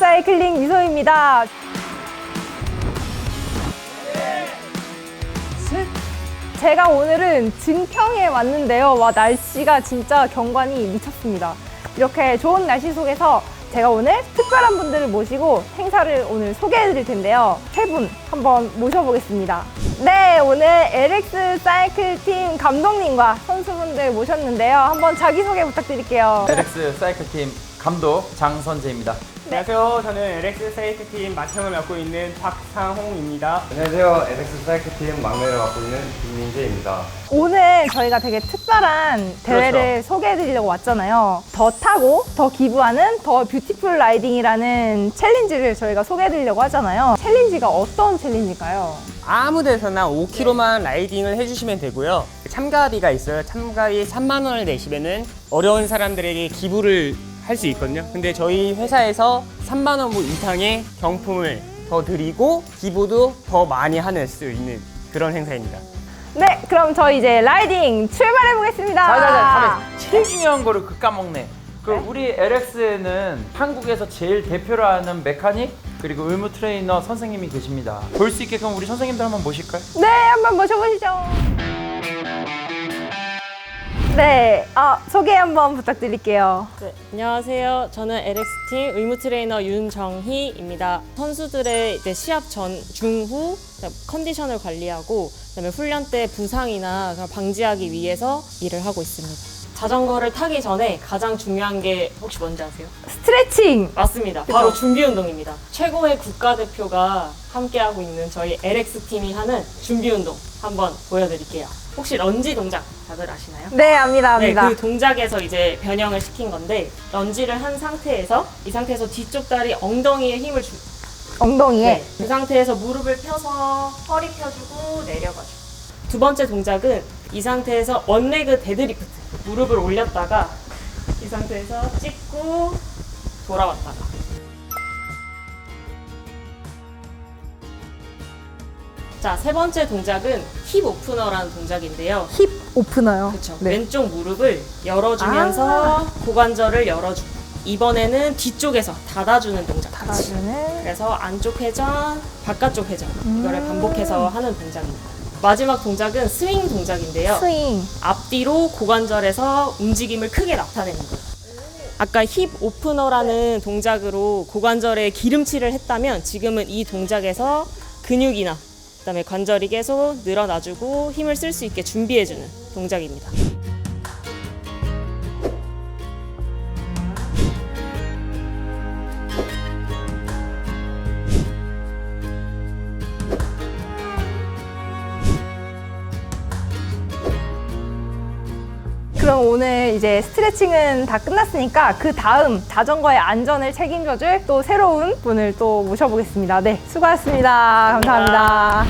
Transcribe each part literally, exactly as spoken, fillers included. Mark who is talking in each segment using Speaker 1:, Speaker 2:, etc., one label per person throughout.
Speaker 1: 사이클링 미소입니다. 제가 오늘은 증평에 왔는데요. 와, 날씨가 진짜 경관이 미쳤습니다. 이렇게 좋은 날씨 속에서 제가 오늘 특별한 분들을 모시고 행사를 오늘 소개해 드릴 텐데요. 세 분 한번 모셔보겠습니다. 네, 오늘 엘엑스 사이클 팀 감독님과 선수분들 모셨는데요. 한번 자기소개 부탁드릴게요.
Speaker 2: 엘엑스 사이클 팀 감독 장선재입니다.
Speaker 3: 네. 안녕하세요. 저는 엘엑스 사이클 팀 맏형을 맡고 있는 박상홍입니다.
Speaker 4: 안녕하세요. 엘엑스 사이클 팀 막내를 맡고 있는 김민재입니다.
Speaker 1: 오늘 저희가 되게 특별한 대회를
Speaker 2: 그렇죠.
Speaker 1: 소개해 드리려고 왔잖아요. 더 타고 더 기부하는 더 뷰티풀 라이딩이라는 챌린지를 저희가 소개해 드리려고 하잖아요. 챌린지가 어떤 챌린지인가요?
Speaker 3: 아무 데서나 오 킬로미터만 라이딩을 해주시면 되고요. 참가비가 있어요. 참가비 삼만 원을 내시면은 어려운 사람들에게 기부를 할 수 있거든요. 근데 저희 회사에서 삼만 원 이상의 경품을 더 드리고 기부도 더 많이 할 수 있는 그런 행사입니다.
Speaker 1: 네, 그럼 저희 이제 라이딩 출발해 보겠습니다.
Speaker 2: 자자자, 제일 중요한 거를 그 까먹네. 그럼 우리 엘엑스에는 한국에서 제일 대표를 하는 메카닉 그리고 의무 트레이너 선생님이 계십니다. 볼 수 있게끔 우리 선생님들 한번 모실까요?
Speaker 1: 네, 한번 모셔보시죠. 네, 아, 소개 한번 부탁드릴게요.
Speaker 5: 네, 안녕하세요. 저는 엘엑스팀 의무 트레이너 윤정희입니다. 선수들의 이제 시합 전, 중후 컨디션을 관리하고 그다음에 훈련 때 부상이나 그런 방지하기 위해서 일을 하고 있습니다. 자전거를 타기 전에 가장 중요한 게 혹시 뭔지 아세요?
Speaker 1: 스트레칭!
Speaker 5: 맞습니다. 바로 준비 운동입니다. 최고의 국가대표가 함께하고 있는 저희 엘엑스팀이 하는 준비 운동 한번 보여드릴게요. 혹시 런지 동작 다들 아시나요?
Speaker 1: 네, 압니다,
Speaker 5: 네,
Speaker 1: 압니다.
Speaker 5: 그 동작에서 이제 변형을 시킨 건데 런지를 한 상태에서 이 상태에서 뒤쪽 다리 엉덩이에 힘을 주.
Speaker 1: 엉덩이에.
Speaker 5: 네, 그 상태에서 무릎을 펴서 허리 펴주고 내려가지고. 두 번째 동작은 이 상태에서 원레그 데드리프트. 무릎을 올렸다가 이 상태에서 찍고 돌아왔다가. 자, 세 번째 동작은 힙 오프너라는 동작인데요.
Speaker 1: 힙 오프너요.
Speaker 5: 그렇죠.
Speaker 1: 네.
Speaker 5: 왼쪽 무릎을 열어주면서
Speaker 1: 아.
Speaker 5: 고관절을 열어주고 이번에는 뒤쪽에서 닫아주는 동작 같이.
Speaker 1: 닫아주는.
Speaker 5: 그래서 안쪽 회전, 바깥쪽 회전
Speaker 1: 음.
Speaker 5: 이거를 반복해서 하는 동작입니다. 마지막 동작은 스윙 동작인데요.
Speaker 1: 스윙.
Speaker 5: 앞뒤로 고관절에서 움직임을 크게 나타내는 거예요. 아까 힙 오프너라는 동작으로 고관절에 기름칠을 했다면 지금은 이 동작에서 근육이나 그다음에 관절이 계속 늘어나주고 힘을 쓸 수 있게 준비해주는 동작입니다.
Speaker 1: 그럼 오늘 이제 스트레칭은 다 끝났으니까 그 다음 자전거의 안전을 책임져줄 또 새로운 분을 또 모셔보겠습니다. 네, 수고하셨습니다. 감사합니다.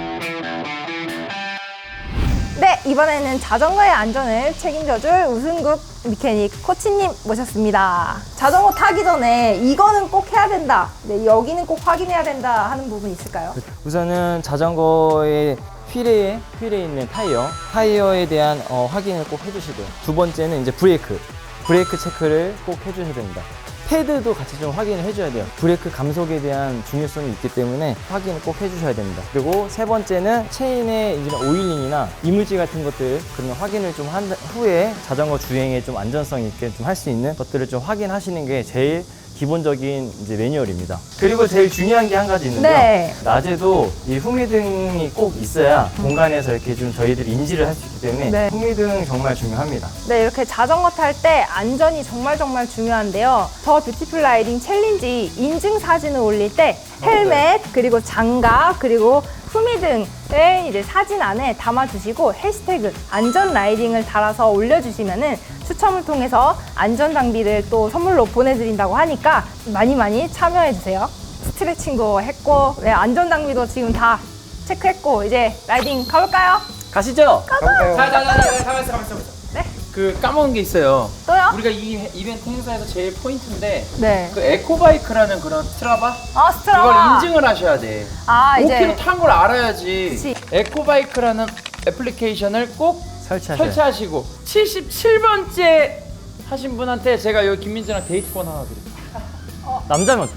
Speaker 1: 네, 이번에는 자전거의 안전을 책임져줄 우승국 미케닉 코치님 모셨습니다. 자전거 타기 전에 이거는 꼭 해야 된다, 네, 여기는 꼭 확인해야 된다 하는 부분 있을까요?
Speaker 6: 우선은 자전거의 휠에, 휠에 있는 타이어, 타이어에 대한 어, 확인을 꼭 해주시고요. 두 번째는 이제 브레이크, 브레이크 체크를 꼭 해주셔야 됩니다. 패드도 같이 좀 확인을 해줘야 돼요. 브레이크 감속에 대한 중요성이 있기 때문에 확인을 꼭 해주셔야 됩니다. 그리고 세 번째는 체인의 이제 오일링이나 이물질 같은 것들 그런 확인을 좀 한 후에 자전거 주행에 좀 안전성 있게 좀 할 수 있는 것들을 좀 확인하시는 게 제일 기본적인 이제 매뉴얼입니다. 그리고 제일 중요한 게 한 가지 있는데요.
Speaker 1: 네.
Speaker 6: 낮에도 이 후미등이 꼭 있어야 공간에서 이렇게 좀 저희들이 인지를 할 수 있기 때문에
Speaker 1: 네.
Speaker 6: 후미등 정말 중요합니다.
Speaker 1: 네, 이렇게 자전거 탈 때 안전이 정말 정말 중요한데요. 더 뷰티풀 라이딩 챌린지 인증 사진을 올릴 때 헬멧, 그리고 장갑, 그리고 후미 등을 이제 사진 안에 담아주시고 해시태그 안전 라이딩을 달아서 올려주시면은 추첨을 통해서 안전 장비를 또 선물로 보내드린다고 하니까 많이 많이 참여해주세요. 스트레칭도 했고, 네, 안전 장비도 지금 다 체크했고, 이제 라이딩 가볼까요?
Speaker 2: 가시죠.
Speaker 4: 가볼까요?
Speaker 2: 자자자자, 가만있어 가만있어.
Speaker 1: 네.
Speaker 2: 그 까먹은 게 있어요.
Speaker 1: 또요?
Speaker 2: 우리가 이 이벤트 행사에서 제일 포인트인데
Speaker 1: 네.
Speaker 2: 그 에코바이크라는 그런 스트라바
Speaker 1: 아, 스트라바.
Speaker 2: 그걸 인증을 하셔야 돼.
Speaker 1: 아,
Speaker 2: 오 킬로미터
Speaker 1: 이제.
Speaker 2: 탄 걸 알아야지.
Speaker 1: 그치.
Speaker 2: 에코바이크라는 애플리케이션을 꼭
Speaker 6: 설치하셔야
Speaker 2: 설치하시고 칠십칠 번째 하신 분한테 제가 여기 김민재랑 데이트권 하나 드릴게요.
Speaker 6: 남자면 어떡해?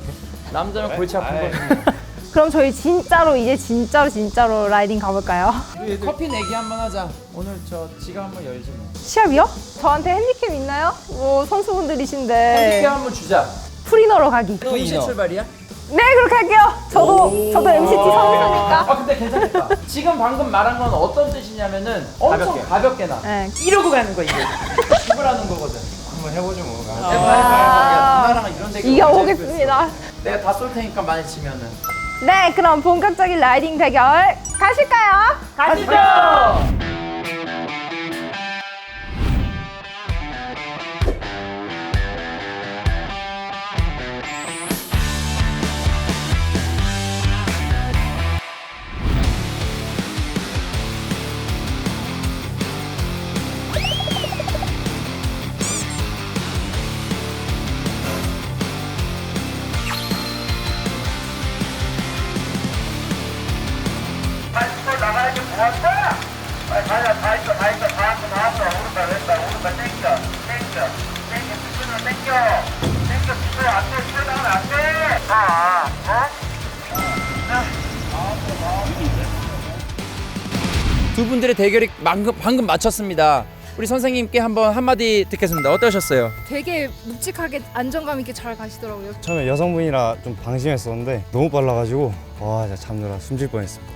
Speaker 2: 남자면 골치 아픈 거지.
Speaker 1: 그럼 저희 진짜로 이제 진짜로 진짜로 라이딩 가볼까요?
Speaker 2: 우리 커피 내기 한번 하자. 오늘 저 지갑 한번 열지 뭐.
Speaker 1: 시합이요? 저한테 핸디캡 있나요? 뭐 선수분들이신데
Speaker 2: 핸디캡 한번 주자.
Speaker 1: 프리너로 가기.
Speaker 2: 동시에 출발이야?
Speaker 1: 네, 그렇게 할게요. 저도 저도 엠시티 선수니까.
Speaker 2: 아 근데 괜찮겠다. 지금 방금 말한 건 어떤 뜻이냐면은 엄청
Speaker 3: 가볍게.
Speaker 2: 가볍게 나.
Speaker 1: 네.
Speaker 2: 이러고 가는 거 이게. 죽으라는 거거든.
Speaker 4: 한번 해보죠 뭐.
Speaker 2: 해봐 해봐. 누나랑 이런 대결
Speaker 1: 이겨보겠습니다.
Speaker 2: 내가 다 쏠 테니까 많이 치면은.
Speaker 1: 네, 그럼 본격적인 라이딩 대결 가실까요?
Speaker 2: 가시죠. 두 분들의 대결이 방금, 방금 마쳤습니다. 우리 선생님께 한번 한마디 듣겠습니다. 어떠셨어요?
Speaker 1: 되게 묵직하게 안정감 있게 잘 가시더라고요.
Speaker 7: 처음에 여성분이라 좀 방심했었는데 너무 빨라가지고 와 진짜 잠들어 숨질 뻔했습니다.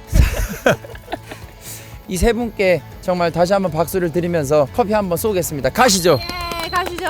Speaker 2: 이 세 분께 정말 다시 한번 박수를 드리면서 커피 한번 쏘겠습니다. 가시죠.
Speaker 1: 네, 가시죠.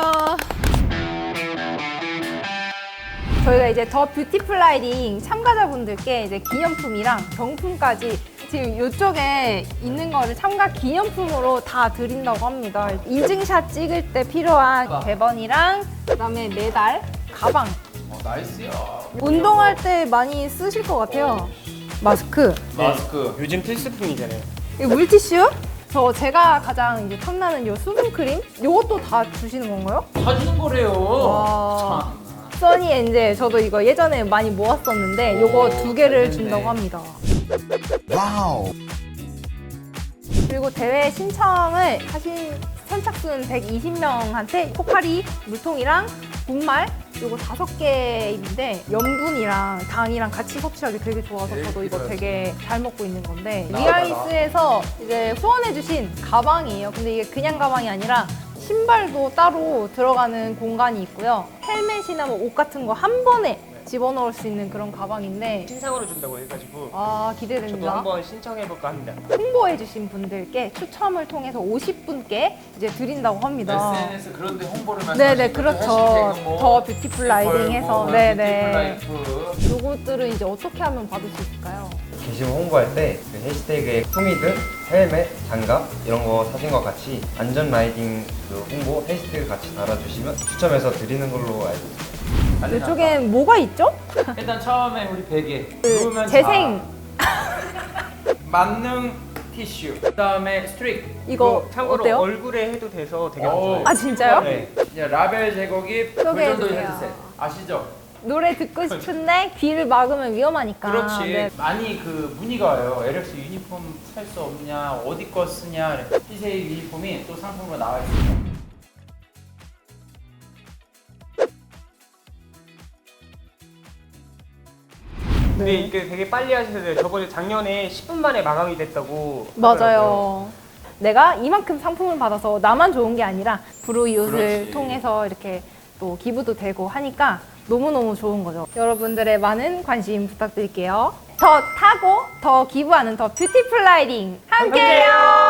Speaker 1: 저희가 이제 더 뷰티풀 라이딩 참가자분들께 이제 기념품이랑 경품까지 지금 이쪽에 있는 거를 참가 기념품으로 다 드린다고 합니다. 인증샷 찍을 때 필요한 배번이랑 그다음에 메달, 가방.
Speaker 2: 어, 나이스요.
Speaker 1: 운동할 때 많이 쓰실 것 같아요. 마스크,
Speaker 2: 마스크.
Speaker 3: 요즘 필수품이잖아요.
Speaker 1: 이 물티슈. 저 제가 가장 이제 탐나는 요 수분 크림. 요것도 다 주시는 건가요?
Speaker 2: 다 주는 거래요.
Speaker 1: 와. 써니 엔젤 저도 이거 예전에 많이 모았었는데 요거 두 개를 준다고 합니다. 와우. 그리고 대회 신청을 하신 선착순 백이십 명한테 포카리 물통이랑 분말 요거 다섯 개인데 염분이랑 당이랑 같이 섭취하기 되게 좋아서 저도 이거 되게 잘 먹고 있는 건데 위아이스에서 이제 후원해주신 가방이에요. 근데 이게 그냥 가방이 아니라 신발도 따로 들어가는 공간이 있고요. 헬멧이나 뭐 옷 같은 거 한 번에 집어넣을 수 있는 그런 가방인데
Speaker 3: 신상으로 준다고 해가지고
Speaker 1: 아
Speaker 3: 저도
Speaker 1: 기대됩니다.
Speaker 3: 한번 신청해볼까 합니다.
Speaker 1: 홍보해주신 분들께 추첨을 통해서 오십 분께 이제 드린다고 합니다.
Speaker 2: 에스엔에스 그런 데 홍보를 말씀하시는
Speaker 1: 네네 그렇죠. 더 뷰티풀 라이딩 해서 네네.
Speaker 2: 뷰티풀
Speaker 1: 요것들은 이제 어떻게 하면 받을 수 있을까요?
Speaker 4: 게시물 홍보할 때 그 해시태그에 후미드, 헬멧, 장갑 이런 거 사진과 같이 안전 라이딩 그 홍보 해시태그 같이 달아주시면 추첨해서 드리는 걸로 알고 있습니다.
Speaker 2: 라이프.
Speaker 1: 이쪽엔 뭐가 있죠?
Speaker 2: 일단 처음에 우리 베개.
Speaker 1: 그
Speaker 2: 누우면
Speaker 1: 재생
Speaker 2: 자. 만능 티슈. 그다음에 스트릭.
Speaker 1: 이거
Speaker 3: 참고로
Speaker 1: 어때요?
Speaker 3: 얼굴에 해도 돼서 되게
Speaker 2: 오.
Speaker 3: 좋아요.
Speaker 1: 아 진짜요?
Speaker 2: 네. 이제 라벨 제거기
Speaker 1: 소개해주세요.
Speaker 2: 불전도 헤드셋. 아시죠?
Speaker 1: 노래 듣고 싶은데 귀를 막으면 위험하니까.
Speaker 2: 그렇지.
Speaker 1: 네.
Speaker 2: 많이 그 문의가 와요. 엘엑스 유니폼 살 수 없냐, 어디 거 쓰냐. 피세이 유니폼이 또 상품으로 나와 있습니다.
Speaker 3: 근데 이게 되게 빨리 하셔서 저번에 작년에 십 분 만에 마감이 됐다고
Speaker 1: 맞아요.
Speaker 3: 하더라고요.
Speaker 1: 내가 이만큼 상품을 받아서 나만 좋은 게 아니라 브루이웃을
Speaker 2: 그렇지.
Speaker 1: 통해서 이렇게 또 기부도 되고 하니까 너무너무 좋은 거죠. 여러분들의 많은 관심 부탁드릴게요. 더 타고 더 기부하는 더 뷰티풀 라이딩 함께해요.